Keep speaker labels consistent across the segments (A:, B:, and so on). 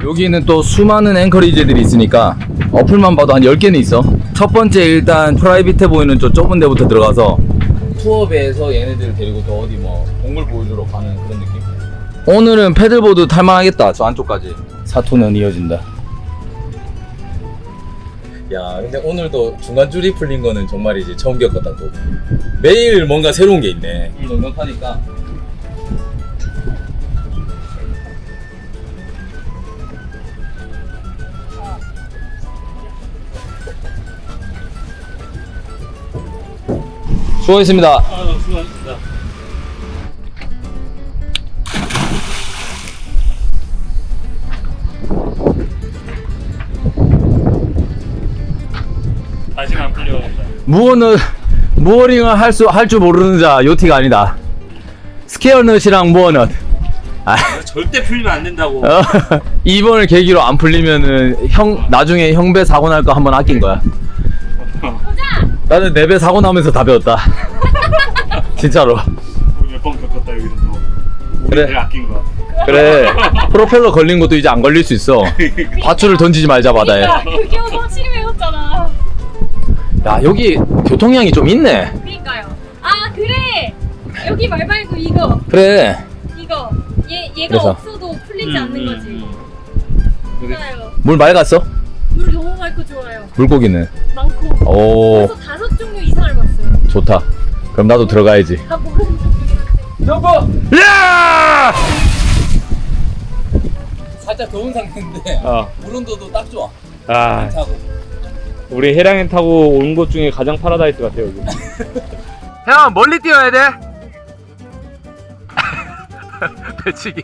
A: 여기는 또 수많은 앵커리지들이 있으니까 어플만 봐도 한 10개는 있어. 첫 번째 일단 프라이빗해 보이는 저 좁은 데부터 들어가서 투어배에서 얘네들을 데리고 또 어디 뭐 동물 보여주러 가는 그런 느낌? 오늘은 패들보드 탈만하겠다. 저 안쪽까지 사투는 이어진다. 야 근데 오늘도 중간줄이 풀린 거는 정말이지 처음 겪었다. 또 매일 뭔가 새로운 게 있네. 넉넉하니까. 수고했습니다.
B: 수고하셨습니다. 다시는 안 풀려간다.
A: 무어링을 할 줄 모르는 자 요티가 아니다. 스퀘어넛이랑 무어넛.
B: 절대 풀리면 안 된다고.
A: 이번을 계기로 안 풀리면은 나중에 형배 사고 날 거 한번 아낀 거야. 나는 내 배 사고 나면서 다 배웠다. 진짜로.
B: 몇 번 겪었다 여기서 또.
A: 그래.
B: 우리를 아낀 거야.
A: 그래. 프로펠러 걸린 것도 이제 안 걸릴 수 있어. 밧줄을 던지지 말자 바다에.
C: 그게 확실히 배웠잖아.
A: 야 여기 교통량이 좀 있네.
C: 그러니까요. 아 그래. 여기 말 말고 이거.
A: 그래.
C: 이거. 얘가
A: 그래서.
C: 없어도 풀리지 않는 거지. 좋아요.
A: 물 맑았어?
C: 물 너무 맑고 좋아요.
A: 물고기는?
C: 많고.
A: 오
C: 벌써 5종류 이상을 봤어요.
A: 좋다. 그럼 나도 들어가야지.
C: 다 모르는 종류긴 한데.
A: 점프! 야! 살짝 더운 상태인데 물 온도도 딱 좋아.
B: 아,
A: 타고.
B: 우리 해랑엔 타고 온 곳 중에 가장 파라다이스 같아 여기.
A: 형 멀리 뛰어야 돼. 배치기.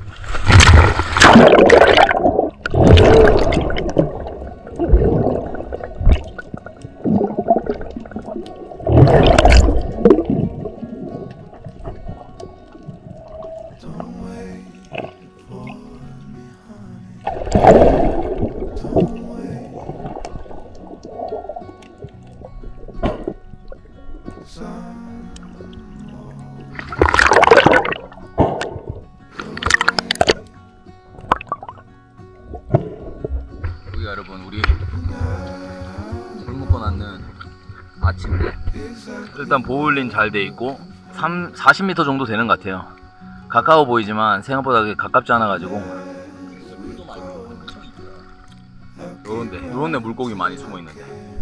A: 여기 여러분 우리 물 먹고 났는 아침인데 일단 보울린 잘 돼 있고 40m 정도 되는 것 같아요. 가까워 보이지만 생각보다 가깝지 않아 가지고 요런데 물고기 많이 숨어 있는데.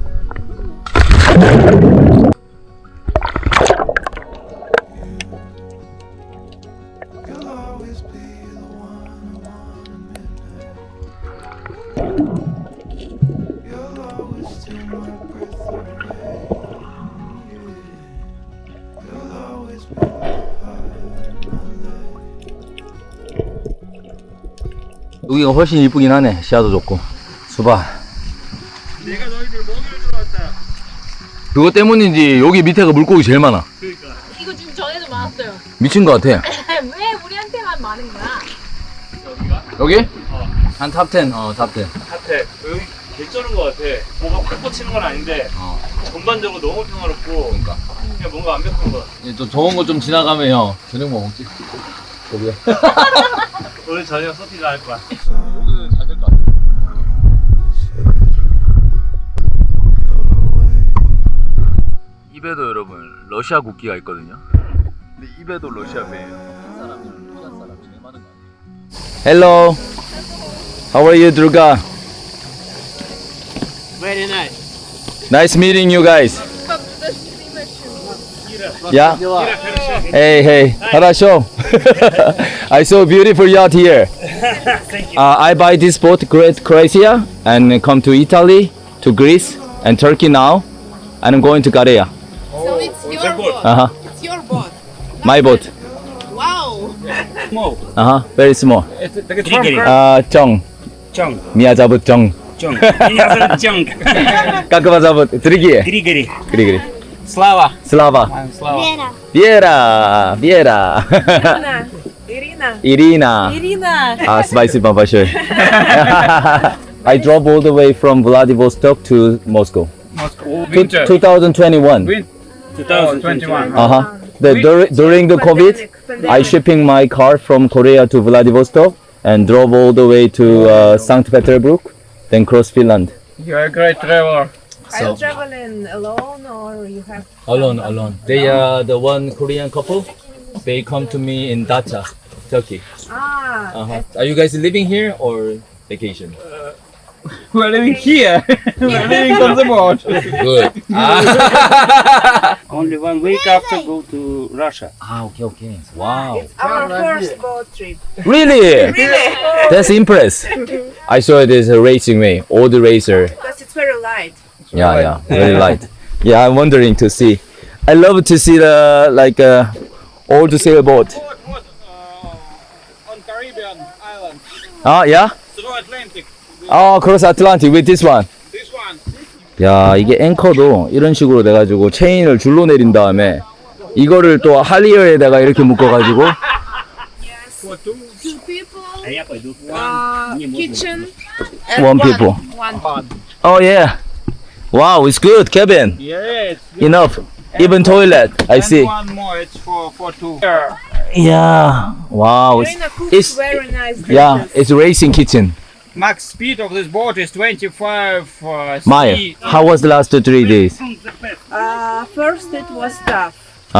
A: 여기가 훨씬 이쁘긴 하네. 시야도 좋고. 수박.
B: 내가 너희들 먹이를 주러 왔다.
A: 그거 때문인지 여기 밑에가 물고기 제일 많아.
B: 그러니까.
C: 이거 좀 전에도 많았어요.
A: 미친 것 같아.
C: 왜 우리한테만 많은 거야?
B: 여기가?
A: 여기?
B: 어.
A: 한 탑10. 탑10.
B: 같아. 여기 개쩌는 것 같아. 뭐가 팍 꽂히는 건 아닌데 전반적으로 너무 평화롭고
A: 그러니까.
B: 그냥 뭔가 완벽한 것 같아.
A: 이제 또 더운 거 좀 지나가면 형 저녁 뭐 먹지? 거기야.
B: 오늘 저녁 서핑 할 거야.
A: 여기는 잘 될 것 같아. 입에도 여러분 러시아 국기가 있거든요. 근데 입에도 러시아 배예요. 이 사람들은 러시아 사람 제일 많은 것 같아요. Hello. How are you, Durga?
D: Very nice.
A: Nice meeting you guys. Yeah. Hey, hey. Хорошо. I saw a beautiful yacht here.
B: Thank you.
A: I buy this boat, Great Croatia, and come to Italy, to Greece, and Turkey now, and I'm going to Korea.
D: So it's your boat.
A: Uh huh.
D: It's your boat.
A: My boat.
D: Wow.
B: 뭐?
A: Very small. 정.
B: 정.
A: 미야 잡ut 정.
B: 정. 이녀석 정.
A: 까끄바 잡ut 드리기에.
B: 그리.
A: 그리.
B: Slava.
A: Slava.
D: Viera.
A: Viera. Irina. Спасибо большое. I drove all the way from Vladivostok to Moscow.
E: Moscow.
A: 2021.
B: 2021.
A: During the COVID, I shipping my car from Korea to Vladivostok, and drove all the way to St. Petersburg, then cross Finland.
E: You are a great traveler.
D: Are you traveling alone or you have?
A: Alone. They are the one Korean couple. They come to me in Dacha, Turkey.
D: Ah,
A: Are you guys living here or vacation?
E: We are living here. We are living on the boat.
A: Good.
B: Only 1 week after go to Russia.
A: Okay. Wow.
D: our first boat trip.
A: Really? That's impressive. I saw it as a racing way, old racer.
D: Because it's very light.
A: Yeah, very light. Yeah, I'm wondering to see. I love to see the old sailboat.
E: On Caribbean island.
A: Yeah?
E: Through Atlantic.
A: Cross Atlantic with this one.
E: This one.
A: 야, 이게 앵커도 이런 식으로 돼가지고 체인을 줄로 내린 다음에 이거를 또 할리어에다가 이렇게 묶어가지고
D: Yes.
E: For two.
D: 2 people.
B: Aí, rapaz, do
D: Kitchen.
A: One people.
D: One.
A: Oh yeah. Wow, it's good, cabin.
E: Yes.
A: Enough. Even toilet. I
E: And
A: see.
E: one more. It's for two.
A: Yeah. Wow.
D: Irina cooks
A: It's
D: very nice dishes.
A: yeah, it's racing kitchen.
E: Max speed of this boat is 25
A: Maya,
E: sea.
A: how was the last 3 days?
D: First it was tough.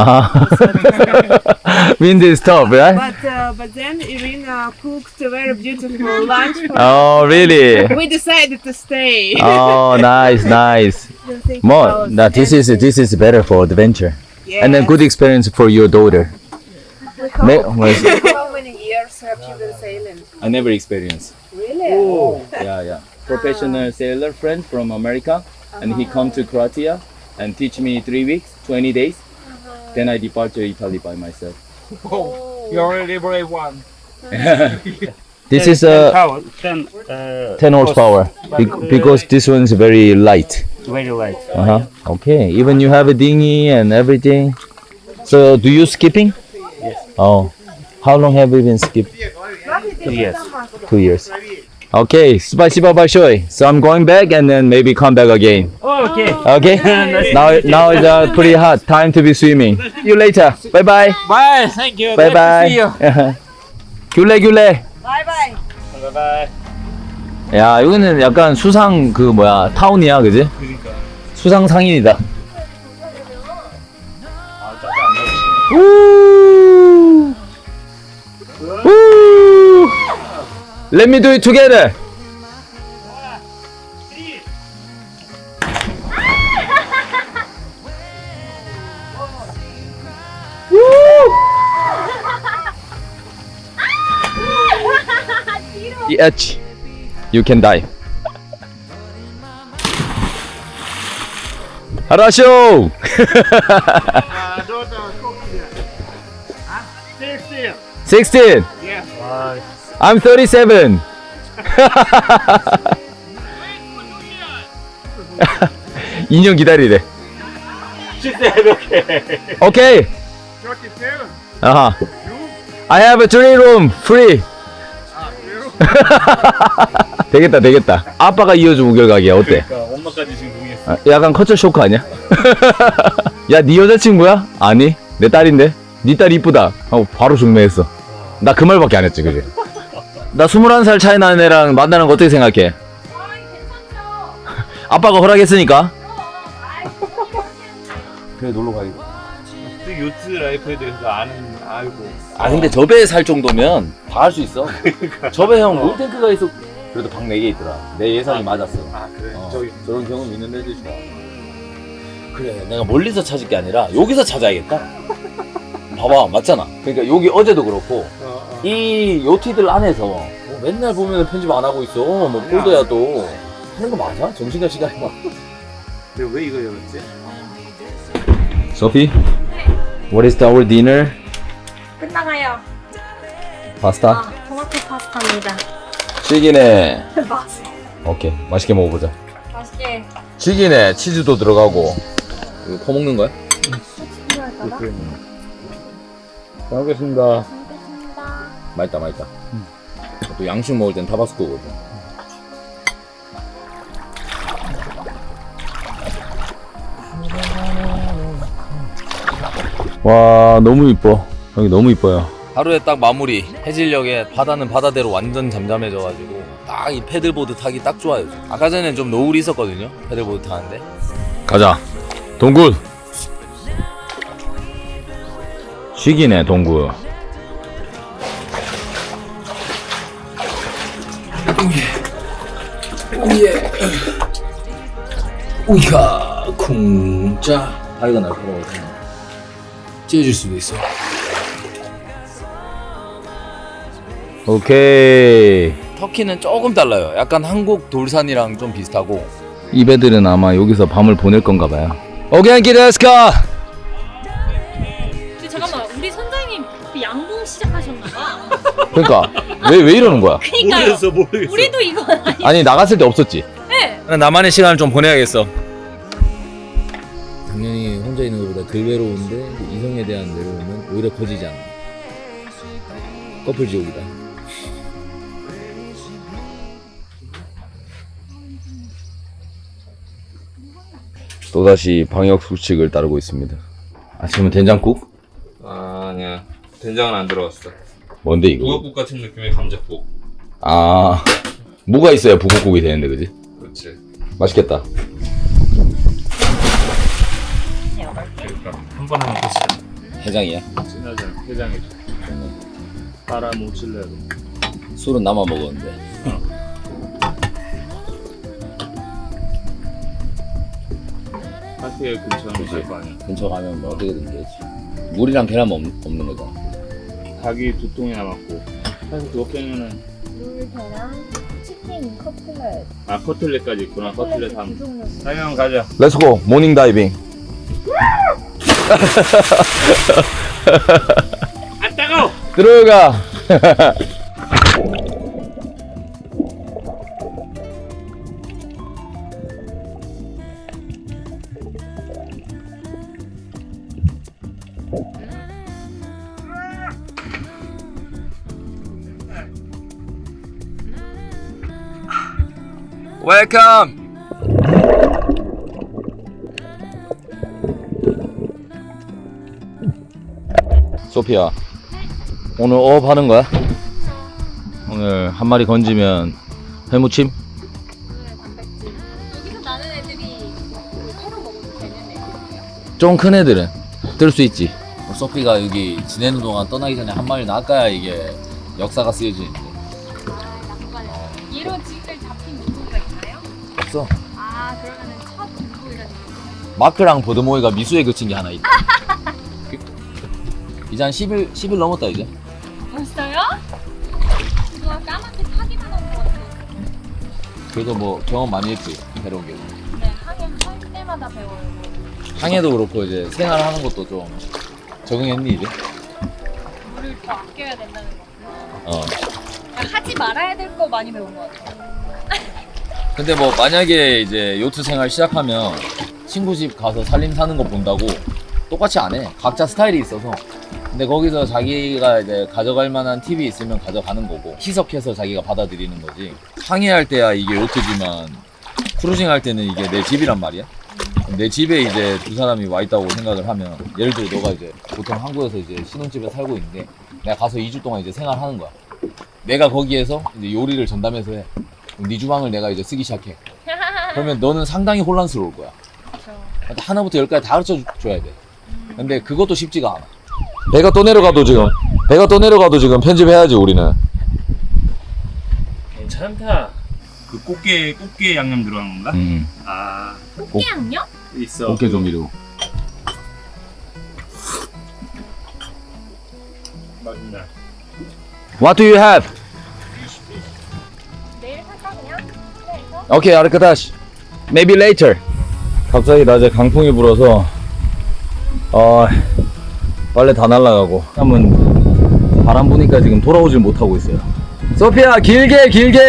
A: Wind is tough, right?
D: But then Irina cooked a very beautiful lunch for
A: Oh, really?
D: We decided to stay.
A: Oh, nice. More. Now this is better for adventure, and then good experience for your daughter.
D: How many years have you been sailing?
A: I never experienced.
D: Really?
A: Yeah. Professional sailor friend from America, and he come to Croatia and teach me 3 weeks, 20 days. Then I depart to Italy by myself.
E: Oh, you're a really brave one.
A: This is a 10 horsepower because this one's very light.
B: Very light.
A: Okay. Even you have a dinghy and everything. So do you skipping?
B: Yes.
A: Oh. How long have you been skipping?
B: 2 years.
A: 2 years. Okay. Спасибо большое. So I'm going back and then maybe come back again.
B: Okay.
A: Okay. Now it's pretty hot. Time to be swimming. See you later. Bye bye.
E: Bye. Thank you.
A: Bye
E: Nice to see you.
A: bye. 귤레.
D: Bye bye.
B: Bye bye.
A: 야, 여기는 약간 수상 그 뭐야 타운이야, 그지?
B: 그러니까.
A: 수상 상인이다.
B: 아, 짜증 안 나지.
A: 우. 우. Let me do it together. The edge. You can die. 하라쇼.
E: Daughter, cook here. Huh? 16.
A: 16.
E: Yeah.
A: I'm 37. (2년) 기다리래.
B: She said okay.
A: Okay.
E: 37.
A: I have a 3 room free. 되겠다. 아빠가 이어준 우결각이야. 어때?
B: 그러니까 엄마까지 지금 동의했어.
A: 약간 커처 쇼크 아니야? 야, 네 여자친구야? 아니, 내 딸인데. 네 딸 이쁘다 하고 바로 중매했어. 나 그 말밖에 안 했지, 그지? 나 21살 차이 나는 애랑 만나는 거 어떻게 생각해?
C: 괜찮죠?
A: 아빠가 허락했으니까. 그래, 놀러 가야겠다.
B: 요트 라이프에 대해서 알고.
A: 아, 근데 저 배에 살 정도면 다 할 수 있어. 저 배 형 물탱크가 있어. 그래도 방 4개 있더라. 내 예상이 맞았어.
B: 아 그래?
A: 저런 경험 있는 애들 좋아. 그래, 내가 멀리서 찾을 게 아니라 여기서 찾아야겠다. 봐봐, 맞잖아. 그러니까 여기 어제도 그렇고 이 요티들 안에서 뭐 맨날 보면 편집 안 하고 있어. 뭐 꼴도야도 하는 거 맞아? 정신과 시간이 막.
B: 근데 왜 이거 열었지?
A: Sophie, what is our dinner?
C: 끝나가요.
A: 파스타?
C: 토마토 파스타입니다.
A: 튀기네. 오케이, 맛있게 먹어보자.
C: 맛있게.
A: 튀기네. 치즈도 들어가고. 이거 퍼먹는 거야?
C: 필요할까봐?
A: 잘 먹겠습니다. 맛있다. 또 양식 먹을 땐 타바스코거든. 와, 너무 이뻐. 여기 너무 이뻐요. 하루에 딱 마무리. 해질녘에 바다는 바다대로 완전 잠잠해져가지고 딱 이 패들보드 타기 딱 좋아요. 아까 전엔 좀 노을이 있었거든요. 패들보드 타는데. 가자. 동굴. 쉬기네 동굴. 오예. 우이가 쿵짜. 다리가 날카로워서 찢어질 수도 있어. 오케이. 터키는 조금 달라요. 약간 한국 돌산이랑 좀 비슷하고. 이 배들은 아마 여기서 밤을 보낼 건가 봐요. 오겐키 데스카.
C: 근데 잠깐만, 우리 선장님 그 양봉 시작하셨나봐.
A: 그러니까 왜 이러는 거야?
C: 그니까요.
B: 모르겠어.
C: 우리도 이거 아니.
A: 아니 나갔을 때 없었지.
C: 네.
A: 나만의 시간을 좀 보내야겠어. 당연히 혼자 있는 것보다 덜 외로운데 이성에 대한 외로움은 오히려 커지지 않아. 커플 지옥이다. 또다시 방역 수칙을 따르고 있습니다. 아침은 된장국?
E: 아니야. 된장은 안 들어갔어.
A: 뭔데 이거?
E: 북엇국 같은 느낌의 감자국.
A: 아, 무가 있어야 북엇국이 되는데 그지?
E: 그렇지.
A: 맛있겠다.
B: 한 번에 먹고 싶어.
A: 해장이야?
B: 진하잖아. 해장해줘. 파라 모칠레로.
A: 술은 나만 먹었는데.
B: 카페 근처는 있을 거 아니야.
A: 근처 가면 뭐 어떻게든 되지. 물이랑 계란 없는 거잖아.
B: 닭이 2통이 남았고. 사실 그거 빼면은
D: 물, 계란, 치킨, 커플렛.
B: 아 커틀렛까지 있구나. 커틀렛
D: 두
B: 한.
D: 종류.
B: 사면 가자.
A: 렛츠고 모닝 다이빙.
B: 안 따가워.
A: 들어가. 웰컴. 소피야, 오늘 어업 하는 거야? 오늘 한 마리 건지면 회무침?
C: 여기서 나는 애들이 회로 먹어도 되는 애들이에요?
A: 좀 큰 애들은 뜰 수 있지. 소피가 여기 지내는 동안 떠나기 전에 한 마리 낚아야 이게 역사가 쓰여지는데.
C: 얘로 지금 잡힌 물고기가 있나요?
A: 없어.
C: 아, 그러면은 첫 물고기가 되는 거예요?
A: 마크랑 보드모이가 미수에 그친 게 하나 있다. 이제 한 10일 넘었다 이제.
C: 벌써요? 우와, 까맣게 타기만 한 것 같아.
A: 그래도 뭐 경험 많이 했지. 새로운 게.
C: 네, 하긴 할 때마다 배워요.
A: 항해도 그렇고 이제 생활하는 것도 좀 적응했니 이제?
C: 물을 더 아껴야 된다는 거.
A: 어.
C: 그러니까 하지 말아야 될 거 많이 배운 것 같아요.
A: 근데 뭐 만약에 이제 요트 생활 시작하면 친구 집 가서 살림 사는 거 본다고 똑같이 안 해. 각자 스타일이 있어서. 근데 거기서 자기가 이제 가져갈 만한 팁이 있으면 가져가는 거고 희석해서 자기가 받아들이는 거지. 항해할 때야 이게 요트지만 크루징 할 때는 이게 내 집이란 말이야. 내 집에 이제 두 사람이 와 있다고 생각을 하면, 예를 들어 너가 이제 보통 한국에서 이제 신혼집에 살고 있는데 내가 가서 2주 동안 이제 생활하는 거야. 내가 거기에서 이제 요리를 전담해서 해. 그럼 네 주방을 내가 이제 쓰기 시작해. 그러면 너는 상당히 혼란스러울 거야.
C: 그렇죠.
A: 하나부터 열까지 다 가르쳐 줘야 돼. 근데 그것도 쉽지가 않아. 배가 또 내려가도 지금 편집해야지 우리는.
B: 괜찮다. 그 꽃게 양념 들어간 건가? 아
C: 꽃게 양념?
B: 있어.
A: 어깨 조미료.
B: 맛있네.
A: What do you have?
C: 내일 살까 그냥? 그래서?
A: Okay, 아르카다시. Maybe later. 갑자기 낮에 강풍이 불어서 빨래 다 날라가고 한번 바람 부니까 지금 돌아오질 못하고 있어요. 소피아 길게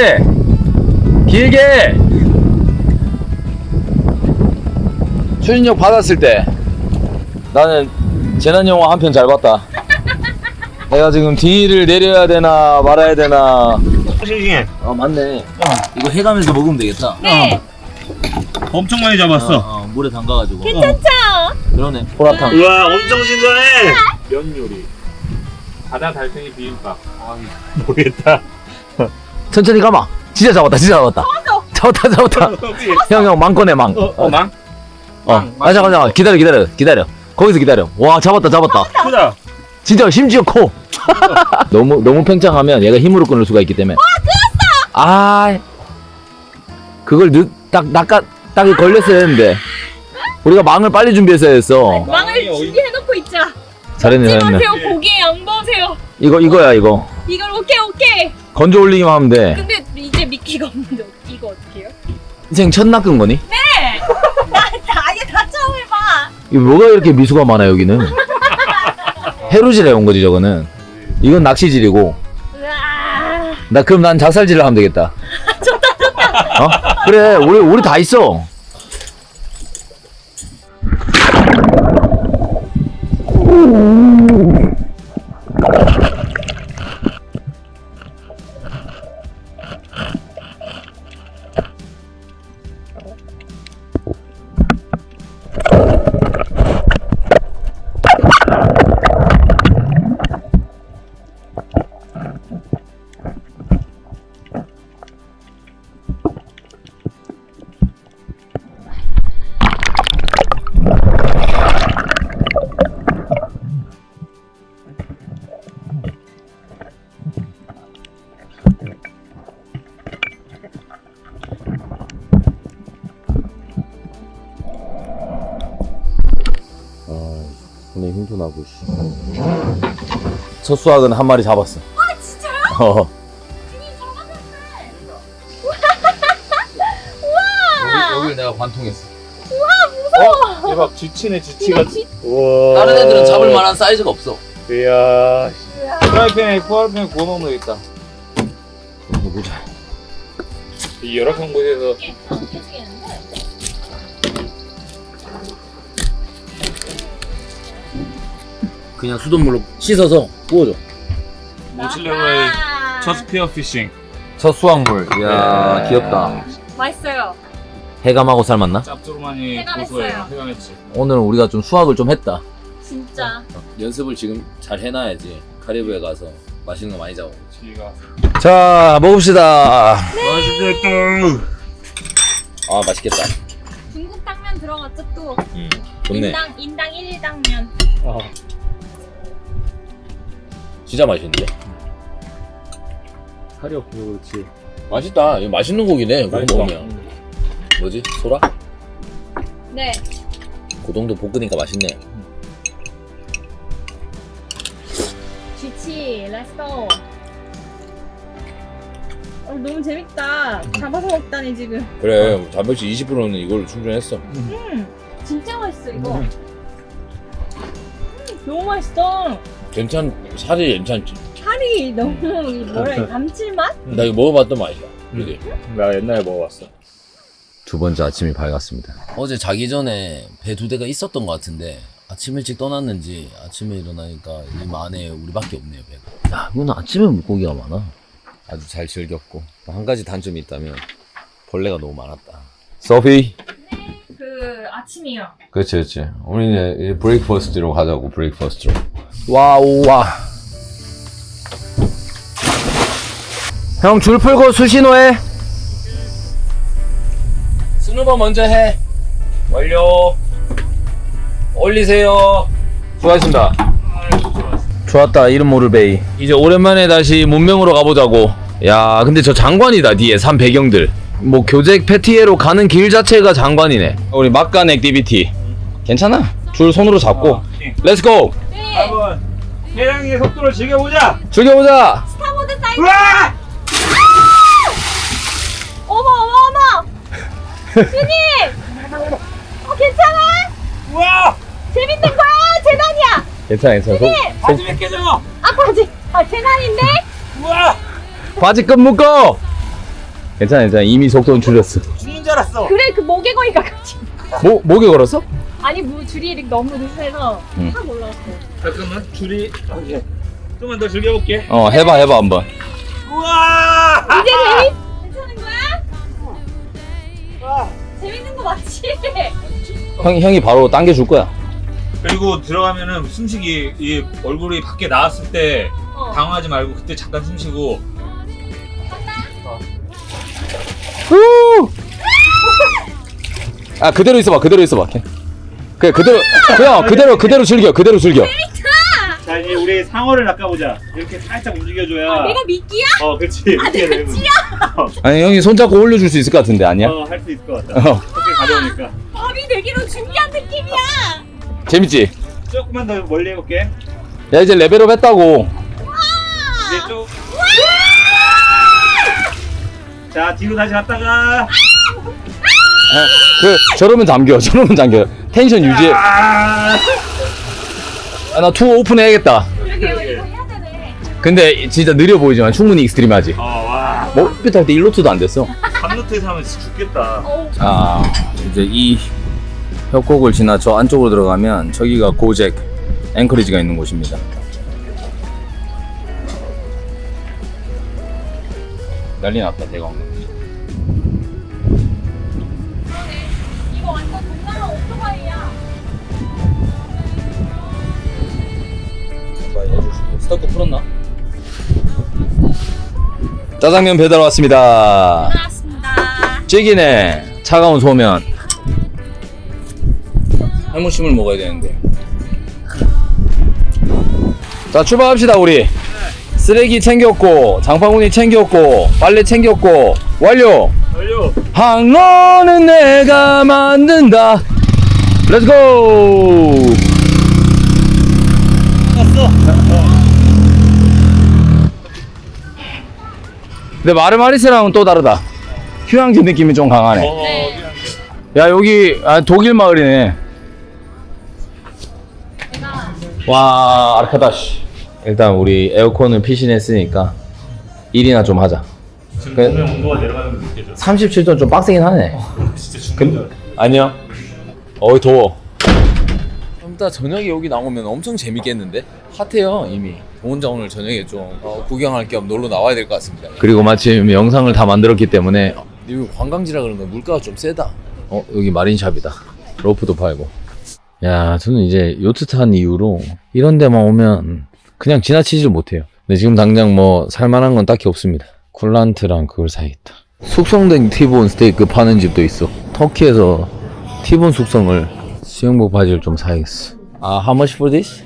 A: 추진력 받았을 때 나는 재난 영화 한 편 잘 봤다. 내가 지금 D를 내려야 되나 말아야 되나.
B: 싱싱해.
A: 맞네. 이거 해가면서 먹으면 되겠다.
C: 네.
B: 엄청 많이 잡았어.
A: 물에 담가가지고.
C: 괜찮죠?
A: 그러네. 보라탕.
B: 우와 엄청 신선해. 면 요리. 바다 달팽이 비빔밥. 아, 모르겠다.
A: 천천히 가마. 진짜 잡았다. 잡았다. 형 망꺼네 망.
B: 망?
A: 잠깐 기다려. 거기서 기다려. 와 잡았다.
B: 크다.
A: 진짜 심지어 커. 너무 팽창하면 얘가 힘으로 끊을 수가 있기 때문에. 아 그걸 딱 걸렸어야 했는데 우리가 망을 빨리 준비했어야 했어.
C: 망을 준비해놓고 있자.
A: 잘했네.
C: 마세요. 고기에 양보하세요.
A: 이거야 이거.
C: 이걸 오케이.
A: 건져 올리기만 하면 돼.
C: 근데 이제 미끼가 없는데 이거 어떻게 해요?
A: 인생 첫 낚은 거니?
C: 네! 아예 다 처음 해봐.
A: 이거 뭐가 이렇게 미수가 많아 여기는? 해루질 해온 거지 저거는. 이건 낚시질이고.
C: 으아.
A: 그럼 난 작살질을 하면 되겠다. 좋다. 어? 그래 우리 다 있어. 손에 힘도 나고 씨. 첫 수확은 한 마리 잡았어.
C: 아 진짜요? 등이 잡아졌네. 우와.
A: 여기를 내가 관통했어.
B: 대박, 쥐치네, 쥐치가. 우와.
A: 다른 애들은 잡을 만한 사이즈가 없어.
B: 이야. 프라이팬에 구워 먹으면 되겠다.
A: 보자.
B: 이 열악한 곳에서.
A: 그냥 수돗물로 씻어서 구워줘.
B: 모칠레로의 첫 스피어 피싱.
A: 첫 수확물. 이야 귀엽다.
C: 맛있어요.
A: 해감하고 삶았나?
B: 짭조름하니
C: 해감했어요.
B: 고소해요. 해감했지.
A: 오늘은 우리가 좀 수확을 좀 했다.
C: 진짜.
A: 연습을 지금 잘 해놔야지 카리브에 가서 맛있는 거 많이 잡아.
B: 지가.
A: 자 먹읍시다.
B: 맛있겠다.
A: 아 맛있겠다.
C: 중국 당면 들어갔죠 또.
A: 좋네.
C: 인당 1당면.
A: 진짜 맛있는데?
B: 칼이 없어서 그렇지.
A: 맛있다. 이거 맛있는 고기네. 그거
B: 맛있어.
A: 먹으면. 뭐지? 소라?
C: 네.
A: 고동도 볶으니까 맛있네.
C: 쥐치, 렛츠고. 너무 재밌다. 잡아서 먹다니 지금.
A: 그래 단백질 20%는 이걸로 충전했어.
C: 진짜 맛있어 이거. 너무 맛있어.
A: 살이 괜찮지?
C: 살이 너무 뭐라 해 감칠맛?
A: 나 이거 먹어봤던 맛이야. 그지?
B: 나 옛날에 먹어봤어.
A: 두 번째 아침이 밝았습니다. 어제 자기 전에 배 2대가 있었던 것 같은데 아침 일찍 떠났는지 아침에 일어나니까 이 안에 우리밖에 없네요 배가. 야 이건 아침에 물고기가 많아. 아주 잘 즐겼고 한 가지 단점이 있다면 벌레가 너무 많았다. 소피.
C: 그 아침이요.
A: 그렇지. 우리는 브레이크퍼스트로 가자고. 브레이크퍼스트로. 와우 와. 형 줄 풀고 수신호해. 스누버 먼저 해. 완료. 올리세요. 수고하셨습니다. 좋았다. 이름 모를 베이. 이제 오랜만에 다시 문명으로 가보자고. 야 근데 저 장관이다. 뒤에 산 배경들. 뭐 교잭 패티에로 가는 길 자체가 장관이네. 우리 막간 액티비티 괜찮아. 줄 손으로 잡고 렛츠고.
C: 네.
B: 한번 해랑이의 속도를 즐겨보자.
A: 즐겨보자.
C: 스타보드 사이즈.
B: 우와!
C: 어머. 주님. 괜찮아?
B: 우와!
C: 재밌는 거야? 재난이야.
A: 괜찮아.
B: 바지 몇 개죠?
C: 바지. 재난인데?
B: 우와!
A: 바지 끈 묶어. 괜찮아. 이미 속도는 줄였어.
B: 죽는 줄 알았어.
C: 그래 그 목에 거니까 같이.
A: 목에 걸었어?
C: 아니 줄이 이렇게 너무 느슨해서 확 올라갔어.
B: 잠깐만 줄이. 오케이. 좀만 더 즐겨볼게.
A: 해봐 한번.
B: 우와!
C: 이제 괜찮은 거야?
B: 우와!
C: 재밌는 거 맞지?
A: 형이 바로 당겨줄 거야.
B: 그리고 들어가면은 숨쉬기 이 얼굴이 밖에 나왔을 때
E: 당황하지 말고 그때 잠깐 숨 쉬고.
A: 아 그대로 있어봐. 그래 그대로 즐겨.
B: 자 이제 우리 상어를 낚아보자. 이렇게 살짝 움직여줘야.
C: 내가 미끼야?
B: 그렇지. 이렇게 되는 거지.
A: 아니 형이 손잡고 올려줄 수 있을 것 같은데 아니야?
B: 할 수 있을 것 같다. 그렇게 가져오니까.
C: 밥이 되기로 준비한 느낌이야.
A: 재밌지?
B: 조금만 더 멀리 해볼게.
A: 야 이제 레벨업 했다고.
B: 이제 쭉. 자 뒤로 다시 갔다가.
A: 저러면 잠겨. 텐션 유지해. 나 투어 오픈해야겠다.
C: 그러게요. 이거 해야 되네.
A: 근데 진짜 느려 보이지만 충분히 익스트림하지.
B: 와.
A: 머핏 할때 1노트도 안 됐어.
B: 밤노트에서 하면 진짜 죽겠다.
A: 이제 이 협곡을 지나 저 안쪽으로 들어가면 저기가 고잭 앵커리지가 있는 곳입니다. 난리 났다 대강.
C: 이거 완전 동남아 오토바이야.
A: 스토커 풀었나? 짜장면 배달 왔습니다.
C: 나왔습니다.
A: 찌기네. 차가운 소면. 해무심을 먹어야 되는데. 자 출발합시다 우리. 쓰레기 챙겼고 장바구니 챙겼고 빨래 챙겼고 완료. 항로는 내가 만든다. 렛츠고. 근데 마르마리스랑은 또 다르다. 휴양지 느낌이 좀 강하네. 야 여기 독일 마을이네. 와 아르카다시. 일단 우리 에어컨을 피신했으니까 일이나 좀 하자.
B: 지금 몸의 온도가 내려가는 게 느껴져.
A: 37도 좀 빡세긴 하네.
B: 진짜 죽는다.
A: 아니야. 더워. 좀 이따 저녁에 여기 나오면 엄청 재밌겠는데? 핫해요 이미. 혼자 오늘 저녁에 좀 구경할 겸 놀러 나와야 될 것 같습니다. 그리고 마침 영상을 다 만들었기 때문에 여기 관광지라 그런가 물가가 좀 세다. 여기 마린샵이다. 로프도 팔고. 야 저는 이제 요트 탄 이후로 이런 데만 오면 그냥 지나치지를 못해요. 근데 지금 당장 뭐 살만한 건 딱히 없습니다. 쿨란트랑 그걸 사야겠다. 숙성된 티본 스테이크 파는 집도 있어. 터키에서 티본 숙성을 수영복 바지를 좀 사야겠어. How much for this?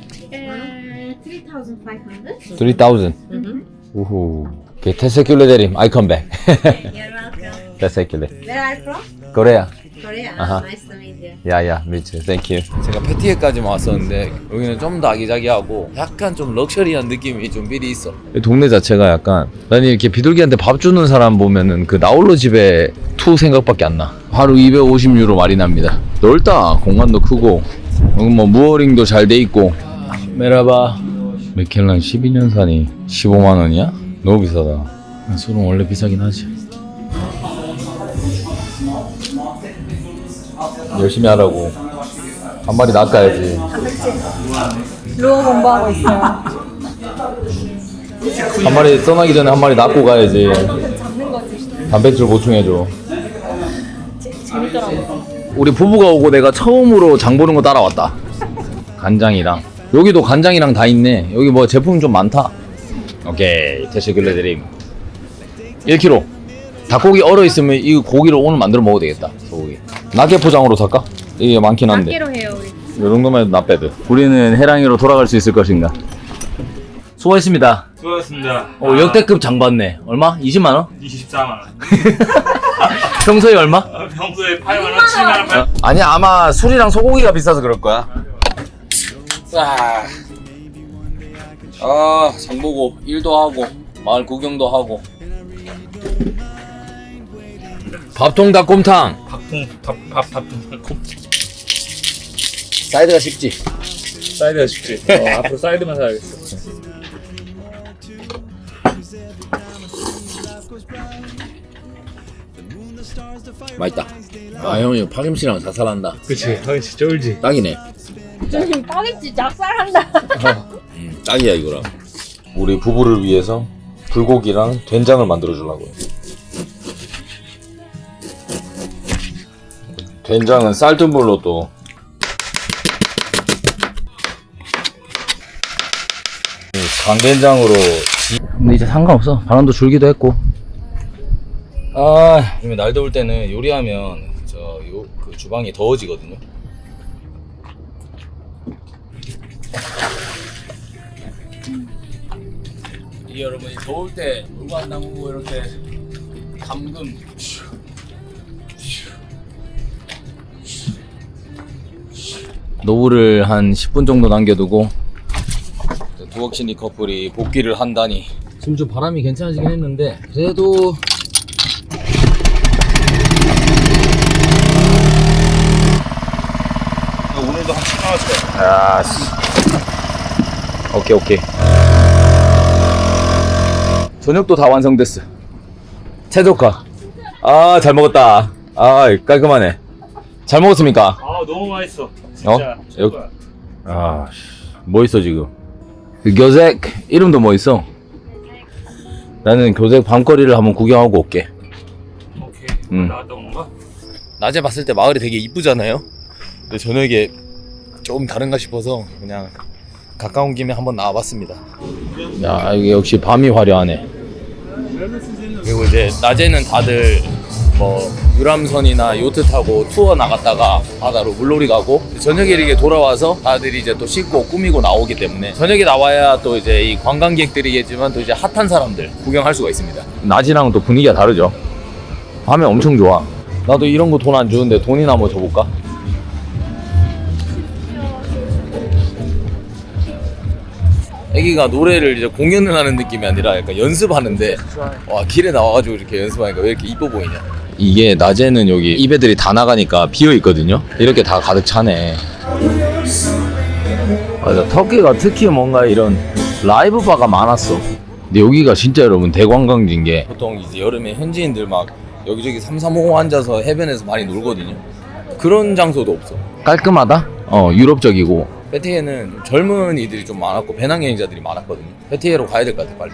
D: 3,500.
A: 3,000. 우후. Okay, teşekkür ederim. I come back.
D: You're welcome.
A: teşekkürler.
D: Where are you from?
A: Korea.
D: Korea.
A: Uh-huh.
D: Nice to meet you.
A: 야야, 미츠. Thank you. 제가 패티에까지만 왔었는데 여기는 좀 더 아기자기하고 약간 좀 럭셔리한 느낌이 좀 미리 있어. 이 동네 자체가 약간 난 이렇게 비둘기한테 밥 주는 사람 보면은 그 나홀로 집에 투 생각밖에 안 나. 하루 250유로 마리납니다. 넓다. 공간도 크고 여기 뭐 무어링도 잘 돼 있고. 메라바. 맥켈란 12년산이 15만 원이야? 너무 비싸다. 술은 원래 비싸긴 하지. 열심히 하라고. 한 마리 낚아야지.
C: 루어 공부하고 있어요.
A: 한 마리 떠나기 전에 한 마리 낚고 가야지.
C: 잡는 거지.
A: 단백질 보충해줘.
C: 재밌더라고.
A: 우리 부부가 오고 내가 처음으로 장 보는 거 따라왔다. 간장이랑. 여기도 간장이랑 다 있네. 여기 뭐 제품 좀 많다. 오케이. 테시글레 드림. 1kg. 닭고기 얼어 있으면 이 고기를 오늘 만들어 먹어도 되겠다. 소고기. 낙게 포장으로 살까? 이게 많긴 한데.
C: 낱개로 해요 우리.
A: 이 정도면 해도 나빼드. 우리는 해랑이로 돌아갈 수 있을 것인가? 수고했습니다.
B: 수고하셨습니다.
A: 역대급 장 받네. 얼마? 20만 원?
B: 24만 원.
A: 평소에 얼마?
B: 평소에 8만 원, 7만 원.
A: 아니야 아마 술이랑 소고기가 비싸서 그럴 거야. 장 보고 일도 하고 마을 구경도 하고. 밥통 닭곰탕.
B: 밥통.
A: 사이드가 쉽지.
B: 사이드가 쉽지. 앞으로 사이드만 사야겠어.
A: 맛있다. 형이 파김치랑 자살한다.
B: 그치. 진짜 쫄지.
A: 딱이네.
C: 요즘 파김치 작살한다.
A: 딱이야 이거랑. 우리 부부를 위해서 불고기랑 된장을 만들어 주려고요. 된장은 쌀뜨물로 또 강된장으로. 근데 이제 상관없어. 바람도 줄기도 했고. 아, 요즘에 날 더울 때는 요리하면 그 주방이 더워지거든요. 이게 여러분이 더울 때 물과 담그고 이렇게 담금 노브를 한 10분 정도 남겨두고 두억신이 커플이 복귀를 한다니. 지금 좀 바람이 괜찮아지긴 했는데 그래도
B: 오늘도 한 10만 원짜리.
A: 아, 오케이. 저녁도 다 완성됐어. 최적화. 아, 잘 먹었다. 아, 깔끔하네. 잘 먹었습니까?
B: 아 너무 맛있어. 진짜.
A: 여- 아, 뭐 있어 지금? 그 교색 이름도 뭐 있어? 나는 교색 밤거리를 한번 구경하고 올게.
B: 오케이. 나왔던 건가?
A: 낮에 봤을 때 마을이 되게 이쁘잖아요. 근데 저녁에 조금 다른가 싶어서 그냥 가까운 김에 한번 나와봤습니다. 야, 이게 역시 밤이 화려하네. 그리고 이제 낮에는 다들 뭐 유람선이나 요트 타고 투어 나갔다가 바다로 물놀이 가고, 저녁에 이렇게 돌아와서 다들 이제 또 씻고 꾸미고 나오기 때문에 저녁에 나와야 또 이제 이 관광객들이겠지만 또 이제 핫한 사람들 구경할 수가 있습니다. 낮이랑은 또 분위기가 다르죠. 밤에 엄청 좋아. 나도 이런 거 돈 안 주는데 돈이나 한번 줘볼까? 애기가 노래를 이제 공연을 하는 느낌이 아니라 약간 연습하는데, 와, 길에 나와가지고 이렇게 연습하니까 왜 이렇게 이뻐 보이냐. 이게 낮에는 여기 입애들이 다 나가니까 비어 있거든요. 이렇게 다 가득 차네. 맞아, 터키가 특히 뭔가 이런 라이브 바가 많았어. 근데 여기가 진짜 여러분 대관광지인 게, 보통 이제 여름에 현지인들 막 여기저기 335 앉아서 해변에서 많이 놀거든요. 그런 장소도 없어. 깔끔하다? 유럽적이고. 페티에는 젊은이들이 좀 많았고 배낭여행자들이 많았거든요. 페티에로 가야 될 것 같아, 빨리.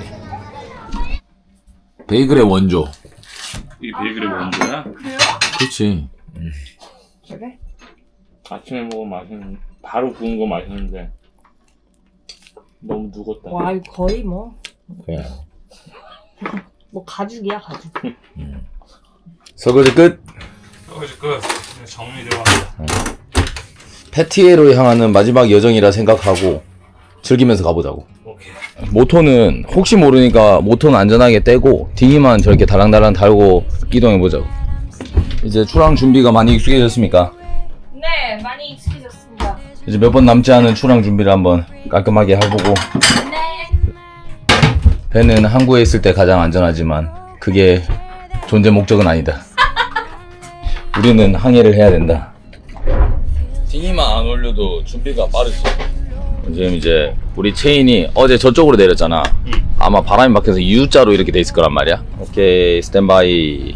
A: 베이글의 원조.
B: 이 베이글의 원조야?
A: 그렇지.
D: 그래?
B: 아침에 먹으면 맛있는, 바로 구운 거 맛있는데 너무 누웠다.
D: 와, 이거 거의 뭐
A: 그래.
D: 가죽이야, 가죽.
A: 설거지 끝.
B: 이제 끝. 정리 들어간다.
A: 페티에로 향하는 마지막 여정이라 생각하고 즐기면서 가보자고.
B: 오케이.
A: 모터는 혹시 모르니까 모터는 안전하게 떼고 딩이만 저렇게 달랑달랑 달고 이동해보자고. 이제 출항 준비가 많이 익숙해졌습니까?
C: 네, 많이 익숙해졌습니다.
A: 이제 몇 번 남지 않은 출항 준비를 한번 깔끔하게 해보고.
C: 네.
A: 배는 항구에 있을 때 가장 안전하지만 그게 존재 목적은 아니다. 우리는 항해를 해야 된다. 딩이만 안 올려도 준비가 빠르지. 지금 이제 우리 체인이 어제 저쪽으로 내렸잖아. 아마 바람이 막혀서 U자로 이렇게 돼 있을 거란 말이야. 오케이, 스탠바이.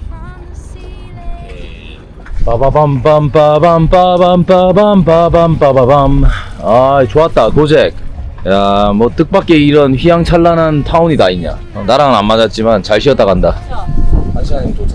A: 빠바밤 빰빠밤 빠밤 빠밤 빠밤 빠바밤. 아, 좋았다, 도잭. 야, 뭐 뜻밖의 이런 휘황찬란한 타운이 다 있냐. 나랑은 안 맞았지만 잘 쉬었다 간다. 한 시간이면 도착.